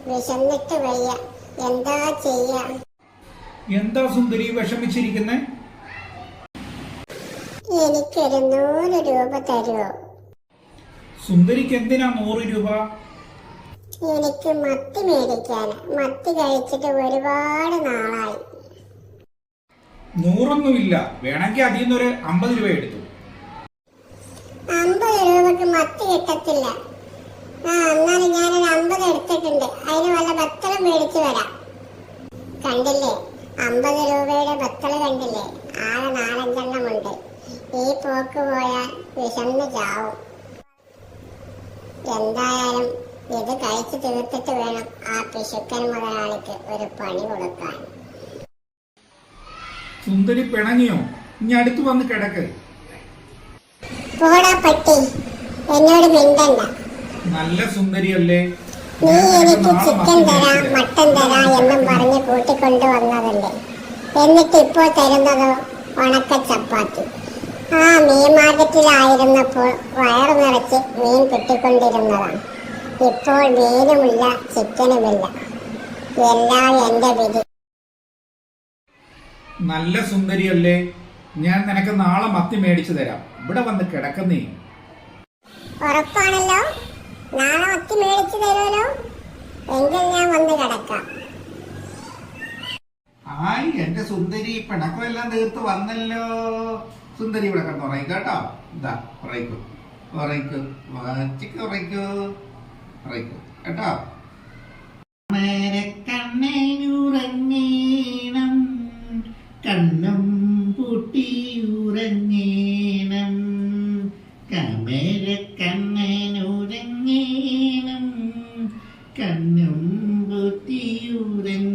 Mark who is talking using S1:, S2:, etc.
S1: വിശന്നിട്ട് വയ്യ, എന്താ ചെയ്യാ?
S2: എന്താ സുന്ദരി വിഷമിച്ചിരിക്കുന്നേ?
S1: എനിക്കൊരു 100 രൂപ തരുമോ?
S2: സുന്ദരിക്ക് എന്തിനാ 100 രൂപ?
S1: എനിക്ക് മത്തി മേടിക്കാന്. മത്തി കഴിച്ചിട്ട് ഒരുപാട് നാളായി.
S2: 100 വേണമെങ്കിൽ അതിൽ നിന്നൊരു 50 രൂപ എടുത്തു.
S1: 50 രൂപക്ക് മത്തി കിട്ടത്തില്ല. എന്നാലും ഞാനൊരു 50 എടുത്തിട്ടുണ്ട്. അതിന് വല്ല ബത്തളം മേടിച്ചു വരാം. കണ്ടില്ലേ, 50 രൂപയുടെ ബത്തള് കണ്ടില്ലേ? ആകെ 4-5 ഉണ്ട്. ഈ പോക്ക് പോയാൽ വിശന്ന് ചാവും. എന്തായാലും ഇത് കഴിച്ചു തീർത്തിട്ട് വേണം ആ പിശുക്കൻ മുതലാളിക്ക് ഒരു പണി കൊടുക്കാൻ.
S2: സുന്ദരി പിണങ്ങിയോ? ഇനി അടുത്ത് വന്ന് കിടക്ക്.
S1: പോടാ പട്ടി, എന്നോട് മിണ്ടണ്ട.
S2: നല്ല സുന്ദരിയല്ലേ?
S1: നീ എനിക്ക് ചിക്കൻ തരാം, മട്ടൻ തരാം എന്നും പറഞ്ഞ് കൂട്ടിക്കൊണ്ടു വന്നതല്ലേ. എന്നിട്ട് ഇപ്പോൾ തരുന്നതോ ഉണക്ക ചപ്പാത്തി. മീൻ മാർക്കറ്റിലായിരുന്നപ്പോൾ വയറു നിറച്ച് മീൻ കിട്ടിക്കൊണ്ടിരുന്നതാണ്. ഇപ്പോൾ മീനുമില്ല, ചിക്കനുമില്ല. എല്ലാം എന്റെ വിധി.
S2: നല്ല സുന്ദരിയല്ലേ? ഞാൻ നിനക്ക് നാളെ മത്തി മേടിച്ചു തരാം. ഇവിടെ വന്ന് കിടക്കുന്നേ.
S1: ഉറപ്പാണല്ലോ? നാളെ മത്തി മേടിച്ചു തരുമല്ലോ? എങ്കിൽ ഞാൻ വന്ന് കിടക്കാം.
S2: എന്റെ സുന്ദരി പിണക്കമെല്ലാം തീർത്ത് വന്നല്ലോ. സുന്ദരി ഇവിടെ കിടന്ന് ഉറയിക്കോ കേട്ടോ. ഇതാ ഉറയിക്കൂ, ഉറയിക്കൂ, വാച്ചിക്ക് ഉറയിക്കൂ, ഉറയിക്കൂ കേട്ടോ. കണ്ണനുറങ്ങീണം, കണ്ണും പൂട്ടിയുറങ്ങീണം, കമര കണ്ണനുറങ്ങീണം, കണ്ണും പൂട്ടിയുറങ്ങീണം.